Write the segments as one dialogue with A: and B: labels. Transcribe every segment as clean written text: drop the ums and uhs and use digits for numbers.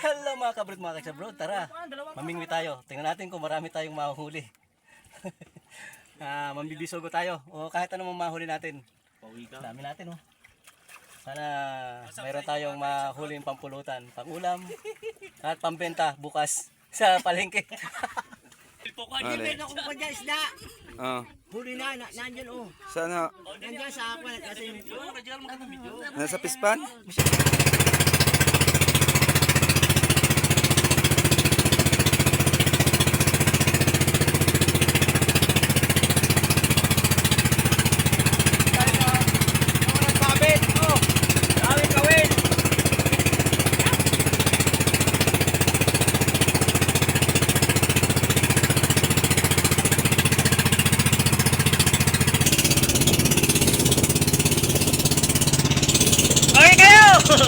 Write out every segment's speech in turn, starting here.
A: Hello mga kabrod, mga kasabrod, tara, mamingwi tayo. Tingnan natin kung marami tayong mahuhuli. Mambibisogo tayo, o kahit anong mahuli natin. Dami natin, oh. Sana mayroon tayong mahuling pampulutan, pangulam, at pambenta bukas sa palengke.
B: Meron akong pa dyan, isda. Huli na, nandyan oh.
C: Sana
B: Nandyan sa aqua. Kasi yung...
C: nasa pispan?
A: Okay kayo!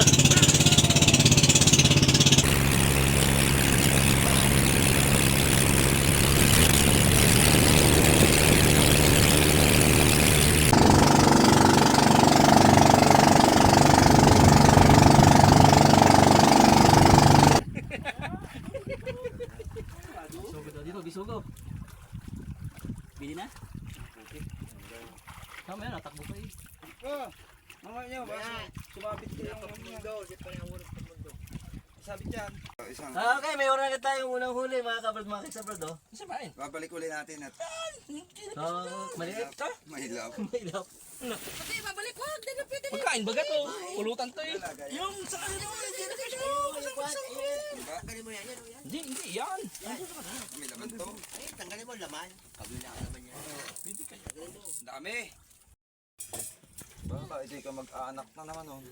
A: Dito, bisugo. Bili na? Tama yan, natakbo pa eh.
C: Mga nyo, sumabit ko yung mundo. Sabit yan.
A: Okay, may oras na tayong unang huli mga kabrod, mga kasabrod, oh. Sabahin.
C: Babalik ulit natin at
A: Maliit.
C: mahilap.
A: Mahilap.
D: Pati babalik ko, hindi na pwede.
A: Pagkain baga to. Pulutan to eh.
D: Yung sa kanila, hindi na pwede.
B: Tanggalin mo yan, yan oh yan.
A: Hindi yan.
C: May laman to.
B: Ay, tanggalin mo laman. Kabila ka naman yan.
C: Ang dami. Baka hindi ka mag-aanak na naman oh.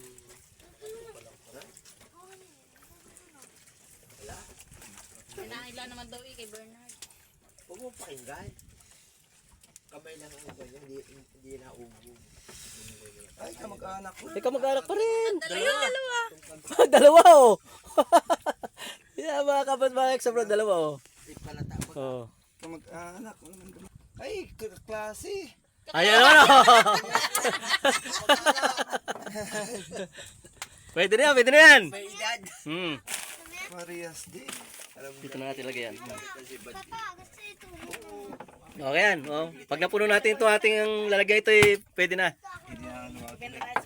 D: Pinaila naman daw kay Bernard.
B: Huwag mo pakinggan. Kamay lang ang ganyan, hindi na ubo.
C: Ay, ka mag-aanak ko.
A: Ikaw mag-anak pa rin.
D: Dalawa.
A: Dalawa oh. Yeah, mga kabrod, mga kasabrod, dalawa oh.
B: Di pala tapos.
A: Oh.
C: Ka mag-aanak. Ay, klase.
A: Ayan naman oh. Pwede na yan, pwede na yan.
B: May edad.
C: Marias din.
A: Dito na natin lagyan. Okay yan. Oh. Pag napuno natin ito ating ang lalagay ito eh, pwede na.
C: Hindi na luwag.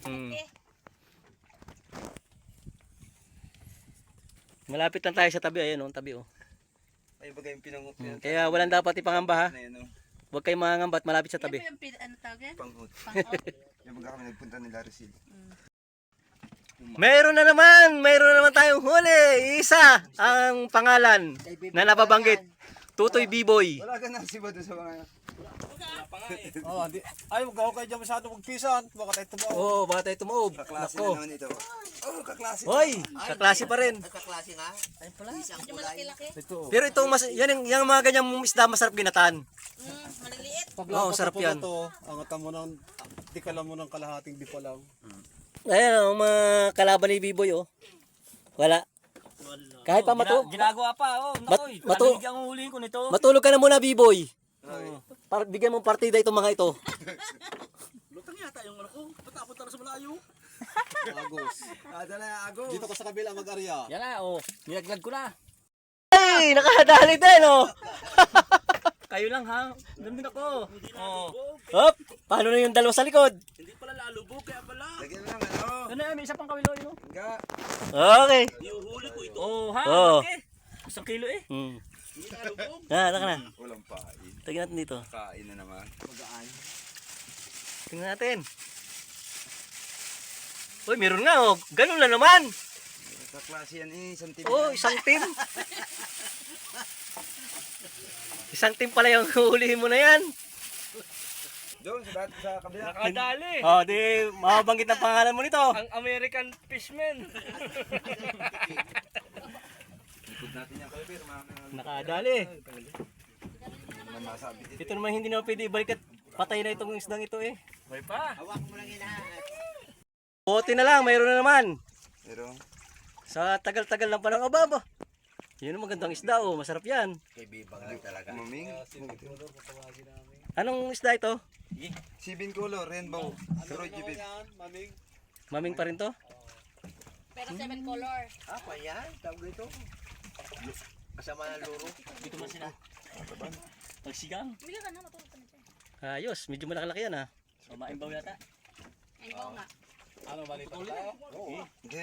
A: Malapit lang tayo sa tabi. Ayan oh, tabi oh.
C: Ay, bagay yung pinangup yan.
A: Kaya walang dapat ipangamba ha.
C: Na yun oh.
A: Huwag kayong mangangamba at malapit sa tabi.
D: Yung ano tawag yan?
C: Panghut. Yung baga kami nagpunta nila Resil.
A: Mayroon na naman tayong huli. Isa ang pangalan na nababanggit. Tutoy B-Boy.
C: Wala ka na siba doon sa mga...
E: Oh, hindi. Ay, wag kayo dyan masyado magpisan. Baka tayo tumaw.
A: Oo, baka tayo tumaob.
C: Kaklase na
A: Nako.
C: naman ito. Oh, kaklase.
A: Hoy, kaklase pa rin.
B: Nagkaklase nga. Ay pala. Isang
D: Yung
B: kulay.
D: malaki-laki.
E: Ito.
A: Pero itong yung mga ganyang isda masarap ginataan.
D: Maliliit.
A: Oo, sarap yan.
E: Ito, angatan mo ng, di ka lang mo ng kalahating di pa lang.
A: Ayan ang mga kalaban ni B-Boy oh. Wala. Kahit pa
F: Ginagawa pa, oh. Nakoy,
A: matu-
F: ang huliin ko nito.
A: matulog ka na muna B-Boy. Bigyan mo partida itong mga ito.
F: Lutang yata yung ano ko. Patapon tara sa malayo.
E: Agos.
C: Dala Agos.
E: Dito ka sa kabila mag-arya.
F: Yan na, oh. Nilaglag ko na.
A: Ay, nakadali din oh.
F: Kayo lang ha. Doon din ako. Oh.
A: Hop, paano na yung dalawa sa likod?
F: Hindi pala lalubog, kaya pala.
C: Lagyan mo lang ano.
F: Ano yan, may isa pang kawilo yun.
C: Hangga.
A: Okay.
F: Iuhuli ko ito. Oh, ha?
A: Oh.
F: Okay. 1 kilo eh.
A: Hmm.
F: Hindi lalubog.
A: Taka na.
C: Walang pain.
A: Tingnan natin dito.
C: Kain na naman.
A: Tingnan natin. Uy, meron nga oh. Ganun na naman.
C: Kaklase yan eh. Isang team.
A: Oh, isang team. Isang team pala yung hulihin mo na yan.
C: Doon sa kabila.
F: Nakadali.
A: Oh, di mababanggit ang pangalan mo nito.
F: Ang American fishman.
C: Ikot natin yung kalibir.
A: Nakadali.
C: Naman masabi dito.
A: Ito naman hindi na pwede ibalik at patay na itong isdang ito eh.
F: May pa.
B: Hawak mo lang yan.
A: Bote na lang, mayroon na naman.
C: Pero,
A: Sa tagal-tagal ng panahon, ababa. Yun ang magandang isda oh, masarap yan.
B: Kay Bibang lang talaga.
C: maming.
A: Anong isda ito?
C: Sibin color, rainbow. Pero Jibib.
E: Maming.
A: Maming pa rin to?
D: Pero 7 color.
B: Pa yan? Tawag ito. Kasama na luro.
F: Dito man sila. Pagsigang.
D: Bili ka na, matulog ka na dyan.
A: Ayos, medyo malaki yan ha.
F: So, maimbaw yata.
D: Ayun ko nga.
E: Ano balita tayo?
G: Hindi.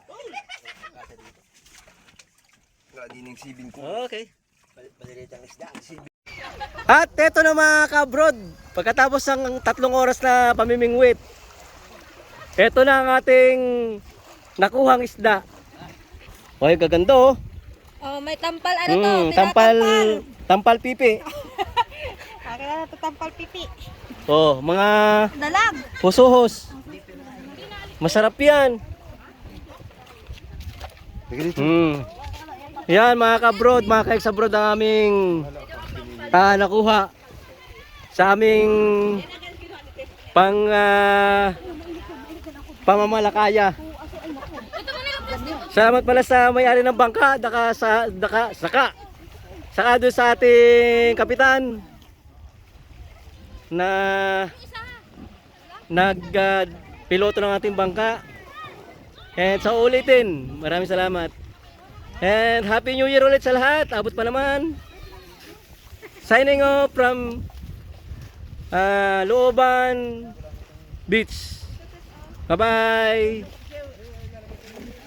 G: Wala din yung sibin ko.
A: Okay.
B: Maliliit ang isda.
A: At eto na mga kabrod, pagkatapos ng 3 oras na pamimingwit, eto na ang ating nakuhang isda. Oy, gaganda oh.
H: Oh, may tampal ano to?
A: Tampal pipi.
H: Akin na to tampal pipi.
A: Oh, mga
H: Dalag.
A: pusuhos. Masarap yan. Yan mga kabrod, mga kaex-abrod ang aming nakuha sa aming pamamalakaya. Salamat pala sa may-ari ng bangka, saka doon sa ating kapitan na piloto ng ating bangka. And sa ulitin, maraming salamat. And Happy New Year ulit sa lahat. Abot pa naman. Signing off from Looban Beach. Bye-bye.